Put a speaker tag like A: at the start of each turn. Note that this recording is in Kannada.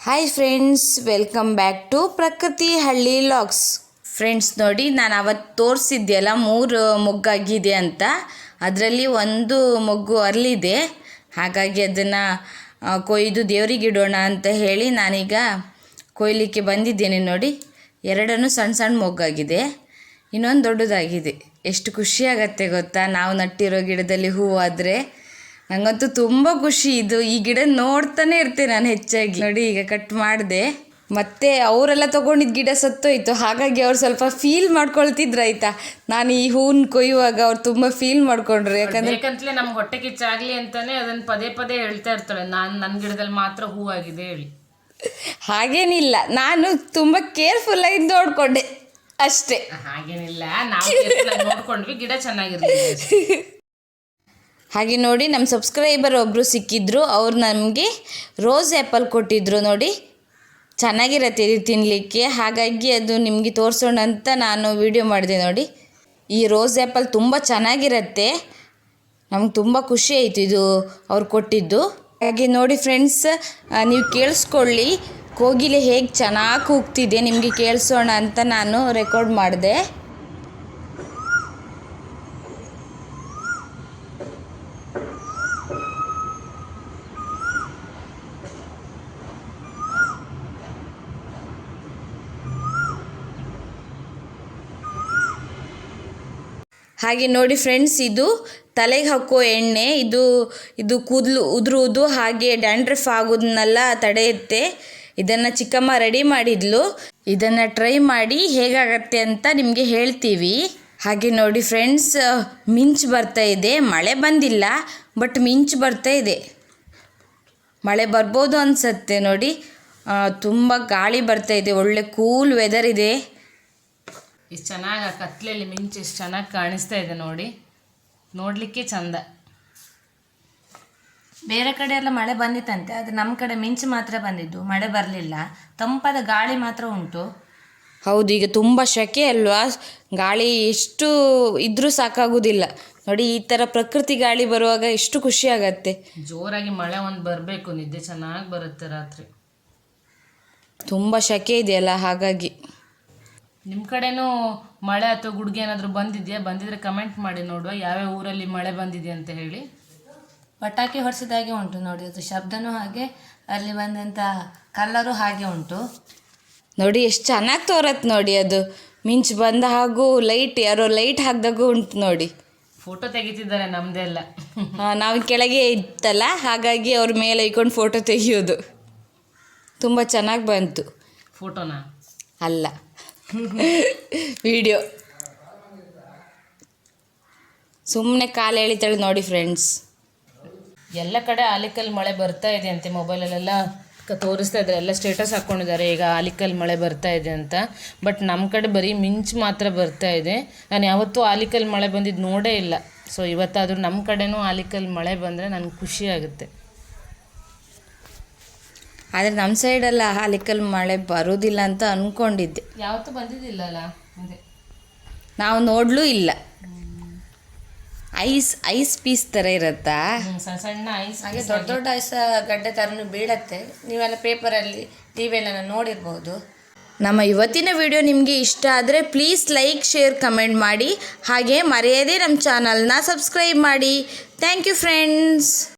A: Hi friends, welcome back to Prakruti Halli logs. Friends ನೋಡಿ, ನಾನು ಅವತ್ತು ತೋರಿಸಿದ್ದೆಲ್ಲ 3 ಮೊಗ್ಗಾಗಿದೆ ಅಂತ. ಅದರಲ್ಲಿ ಒಂದು ಮೊಗ್ಗು ಅರಳಿದೆ. ಹಾಗಾಗಿ ಅದನ್ನು ಕೊಯ್ದು ದೇವರಿಗೆ ಇಡೋಣ ಅಂತ ಹೇಳಿ ನಾನೀಗ ಕೊಯ್ಲಿಕ್ಕೆ ಬಂದಿದ್ದೇನೆ. ನೋಡಿ, 2 ಸಣ್ಣ ಸಣ್ಣ ಮೊಗ್ಗಾಗಿದೆ, ಇನ್ನೊಂದು ದೊಡ್ಡದಾಗಿದೆ. ಎಷ್ಟು ಖುಷಿಯಾಗತ್ತೆ ಗೊತ್ತಾ, ನಾವು ನಟ್ಟಿರೋ ಗಿಡದಲ್ಲಿ ಹೂವಾದರೆ. ನನಗಂತೂ ತುಂಬ ಖುಷಿ. ಈ ಗಿಡ ನೋಡ್ತಾನೆ ಇರ್ತೇನೆ ನಾನು ಹೆಚ್ಚಾಗಿ. ನೋಡಿ, ಈಗ ಕಟ್ ಮಾಡಿದೆ. ಮತ್ತೆ ಅವರೆಲ್ಲ ತೊಗೊಂಡಿದ್ದ ಗಿಡ ಸತ್ತೋಯ್ತು. ಹಾಗಾಗಿ ಅವ್ರು ಸ್ವಲ್ಪ ಫೀಲ್ ಮಾಡ್ಕೊಳ್ತಿದ್ರು ಆಯ್ತಾ. ನಾನು ಈ ಹೂವನ್ನು ಕೊಯ್ಯುವಾಗ ಅವ್ರು ತುಂಬ ಫೀಲ್ ಮಾಡ್ಕೊಂಡ್ರು.
B: ಯಾಕಂತಲೇ ನಮ್ಗೆ ಹೊಟ್ಟೆ ಕಿಚ್ಚಾಗಲಿ ಅಂತಾನೆ ಅದನ್ನು ಪದೇ ಪದೇ ಹೇಳ್ತಾ ಇರ್ತಾಳೆ, ನನ್ನ ಗಿಡದಲ್ಲಿ ಮಾತ್ರ ಹೂವಾಗಿದೆ ಹೇಳಿ.
A: ಹಾಗೇನಿಲ್ಲ, ನಾನು ತುಂಬ ಕೇರ್ಫುಲ್ಲಾಗಿ ನೋಡಿಕೊಂಡೆ ಅಷ್ಟೇ.
B: ಹಾಗೇನಿಲ್ಲ, ನಾವು ನೋಡ್ಕೊಂಡ್ವಿ, ಗಿಡ ಚೆನ್ನಾಗಿರ್ಲಿ.
A: ಹಾಗೆ ನೋಡಿ, ನಮ್ಮ ಸಬ್ಸ್ಕ್ರೈಬರ್ ಒಬ್ಬರು ಸಿಕ್ಕಿದ್ರು. ಅವ್ರು ನಮಗೆ ರೋಸ್ ಆ್ಯಪಲ್ ಕೊಟ್ಟಿದ್ದರು. ನೋಡಿ, ಚೆನ್ನಾಗಿರತ್ತೆ ಇದು ತಿನ್ನಲಿಕ್ಕೆ. ಹಾಗಾಗಿ ಅದು ನಿಮಗೆ ತೋರಿಸೋಣ ಅಂತ ನಾನು ವಿಡಿಯೋ ಮಾಡಿದೆ. ನೋಡಿ, ಈ ರೋಸ್ ಆ್ಯಪಲ್ ತುಂಬ ಚೆನ್ನಾಗಿರತ್ತೆ. ನಮ್ಗೆ ತುಂಬ ಖುಷಿ ಆಯಿತು ಇದು ಅವ್ರು ಕೊಟ್ಟಿದ್ದು. ಹಾಗೆ ನೋಡಿ ಫ್ರೆಂಡ್ಸ್, ನೀವು ಕೇಳಿಸ್ಕೊಳ್ಳಿ, ಕೋಗಿಲೆ ಹೇಗೆ ಚೆನ್ನಾಗಿ ಕೂಗ್ತಿದೆ ನಿಮಗೆ ಕೇಳಿಸೋಣ ಅಂತ ನಾನು ರೆಕಾರ್ಡ್ ಮಾಡಿದೆ. ಹಾಗೆ ನೋಡಿ ಫ್ರೆಂಡ್ಸ್, ಇದು ತಲೆಗೆ ಹಾಕೋ ಎಣ್ಣೆ. ಇದು ಕೂದಲು ಉದುರುವುದು ಹಾಗೆ ಡ್ಯಾಂಡ್ರಫ್ ಆಗೋದನ್ನೆಲ್ಲ ತಡೆಯುತ್ತೆ. ಇದನ್ನು ಚಿಕ್ಕಮ್ಮ ರೆಡಿ ಮಾಡಿದ್ಲು. ಇದನ್ನು ಟ್ರೈ ಮಾಡಿ ಹೇಗಾಗತ್ತೆ ಅಂತ ನಿಮಗೆ ಹೇಳ್ತೀವಿ. ಹಾಗೆ ನೋಡಿ ಫ್ರೆಂಡ್ಸ್, ಮಿಂಚು ಬರ್ತಾ ಇದೆ. ಮಳೆ ಬಂದಿಲ್ಲ, ಬಟ್ ಮಿಂಚು ಬರ್ತಾ ಇದೆ. ಮಳೆ ಬರ್ಬೋದು ಅನಿಸುತ್ತೆ. ನೋಡಿ, ತುಂಬ ಗಾಳಿ ಬರ್ತಾ ಇದೆ. ಒಳ್ಳೆ ಕೂಲ್ ವೆದರ್ ಇದೆ.
B: ಇಷ್ಟು ಚೆನ್ನಾಗಿ ಕತ್ಲೆಯಲ್ಲಿ ಮಿಂಚು ಎಷ್ಟು ಚೆನ್ನಾಗಿ ಕಾಣಿಸ್ತಾ ಇದೆ ನೋಡಿ, ನೋಡಲಿಕ್ಕೆ ಚಂದ.
C: ಬೇರೆ ಕಡೆ ಎಲ್ಲ ಮಳೆ ಬಂದಿತ್ತಂತೆ, ಆದರೆ ನಮ್ಮ ಕಡೆ ಮಿಂಚು ಮಾತ್ರ ಬಂದಿದ್ದು, ಮಳೆ ಬರಲಿಲ್ಲ. ತಂಪಾದ ಗಾಳಿ ಮಾತ್ರ ಉಂಟು.
A: ಹೌದು, ಈಗ ತುಂಬ ಸೆಕೆ ಅಲ್ವಾ, ಗಾಳಿ ಎಷ್ಟು ಇದ್ರೂ ಸಾಕಾಗೋದಿಲ್ಲ. ನೋಡಿ, ಈ ಥರ ಪ್ರಕೃತಿ ಗಾಳಿ ಬರುವಾಗ ಎಷ್ಟು ಖುಷಿ ಆಗತ್ತೆ.
B: ಜೋರಾಗಿ ಮಳೆ ಒಂದು ಬರಬೇಕು, ನಿದ್ದೆ ಚೆನ್ನಾಗಿ ಬರುತ್ತೆ ರಾತ್ರಿ.
A: ತುಂಬ ಸೆಕೆ ಇದೆಯಲ್ಲ, ಹಾಗಾಗಿ.
B: ನಿಮ್ಮ ಕಡೆನೂ ಮಳೆ ಅಥವಾ ಗುಡ್ಗೆ ಏನಾದರೂ ಬಂದಿದೆಯಾ? ಬಂದಿದ್ರೆ ಕಮೆಂಟ್ ಮಾಡಿ ನೋಡುವ, ಯಾವ್ಯಾವ ಊರಲ್ಲಿ ಮಳೆ ಬಂದಿದೆ ಅಂತ ಹೇಳಿ.
C: ಪಟಾಕಿ ಹೊಡೆಸಿದಾಗೆ ಉಂಟು ನೋಡಿ, ಅದು ಶಬ್ದನೂ ಹಾಗೆ, ಅಲ್ಲಿ ಬಂದಂಥ ಕಲ್ಲರು ಹಾಗೆ ಉಂಟು.
A: ನೋಡಿ, ಎಷ್ಟು ಚೆನ್ನಾಗಿ ತೋರತ್ತೆ ನೋಡಿ. ಅದು ಮಿಂಚು ಬಂದ ಹಾಗೂ ಲೈಟ್, ಯಾರೋ ಲೈಟ್ ಹಾಕಿದಾಗೂ ಉಂಟು ನೋಡಿ.
B: ಫೋಟೋ ತೆಗಿತಿದ್ದಾರೆ ನಮ್ಮದೆಲ್ಲ.
A: ನಾವು ಕೆಳಗೆ ಇತ್ತಲ್ಲ, ಹಾಗಾಗಿ ಅವ್ರ ಮೇಲೆ ಇಟ್ಕೊಂಡು ಫೋಟೋ ತೆಗಿಯೋದು. ತುಂಬ ಚೆನ್ನಾಗಿ ಬಂತು.
B: ಫೋಟೋನಾ?
A: ಅಲ್ಲ, ವಿಡಿಯೋ. ಸುಮ್ಮನೆ ಕಾಲು ಎಳಿತಾಳೆ ನೋಡಿ ಫ್ರೆಂಡ್ಸ್.
B: ಎಲ್ಲ ಕಡೆ ಆಲಿಕಲ್ ಮಳೆ ಬರ್ತಾ ಇದೆ ಅಂತೆ. ಮೊಬೈಲಲ್ಲೆಲ್ಲ ತೋರಿಸ್ತಾ ಇದ್ದಾರೆ, ಎಲ್ಲ ಸ್ಟೇಟಸ್ ಹಾಕ್ಕೊಂಡಿದ್ದಾರೆ ಈಗ ಆಲಿಕಲ್ ಮಳೆ ಬರ್ತಾ ಇದೆ ಅಂತ. ಬಟ್ ನಮ್ಮ ಕಡೆ ಬರೀ ಮಿಂಚು ಮಾತ್ರ ಬರ್ತಾ ಇದೆ. ನಾನು ಯಾವತ್ತೂ ಆಲಿಕಲ್ ಮಳೆ ಬಂದಿದ್ದು ನೋಡೇ ಇಲ್ಲ. ಸೊ ಇವತ್ತಾದರೂ ನಮ್ಮ ಕಡೆನೂ ಆಲಿಕಲ್ ಮಳೆ ಬಂದರೆ ನನಗೆ ಖುಷಿ ಆಗುತ್ತೆ.
A: ಆದರೆ ನಮ್ಮ ಸೈಡೆಲ್ಲ ಆಲಿಕಲ್ ಮಳೆ ಬರೋದಿಲ್ಲ ಅಂತ ಅಂದ್ಕೊಂಡಿದ್ದೆ.
B: ಯಾವತ್ತೂ ಬಂದಿದ್ದಿಲ್ಲ ಅಲ್ಲ, ಅದೇ
A: ನಾವು ನೋಡಲೂ ಇಲ್ಲ. ಐಸ್ ಪೀಸ್ ಥರ ಇರುತ್ತಾ,
B: ಸಣ್ಣ ಸಣ್ಣ ಐಸ್,
C: ಹಾಗೆ ದೊಡ್ಡ ದೊಡ್ಡ ಐಸ್ ಗಡ್ಡೆ ಥರನೂ ಬೀಳತ್ತೆ. ನೀವೆಲ್ಲ ಪೇಪರಲ್ಲಿ ಟಿವಿಯಲ್ಲೆಲ್ಲ ನೋಡಿರ್ಬೋದು.
A: ನಮ್ಮ ಇವತ್ತಿನ ವಿಡಿಯೋ ನಿಮಗೆ ಇಷ್ಟ ಆದರೆ ಪ್ಲೀಸ್ ಲೈಕ್, ಶೇರ್, ಕಮೆಂಟ್ ಮಾಡಿ. ಹಾಗೆ ಮರೆಯದೇ ನಮ್ಮ ಚಾನಲ್ನ ಸಬ್ಸ್ಕ್ರೈಬ್ ಮಾಡಿ. Thank you friends.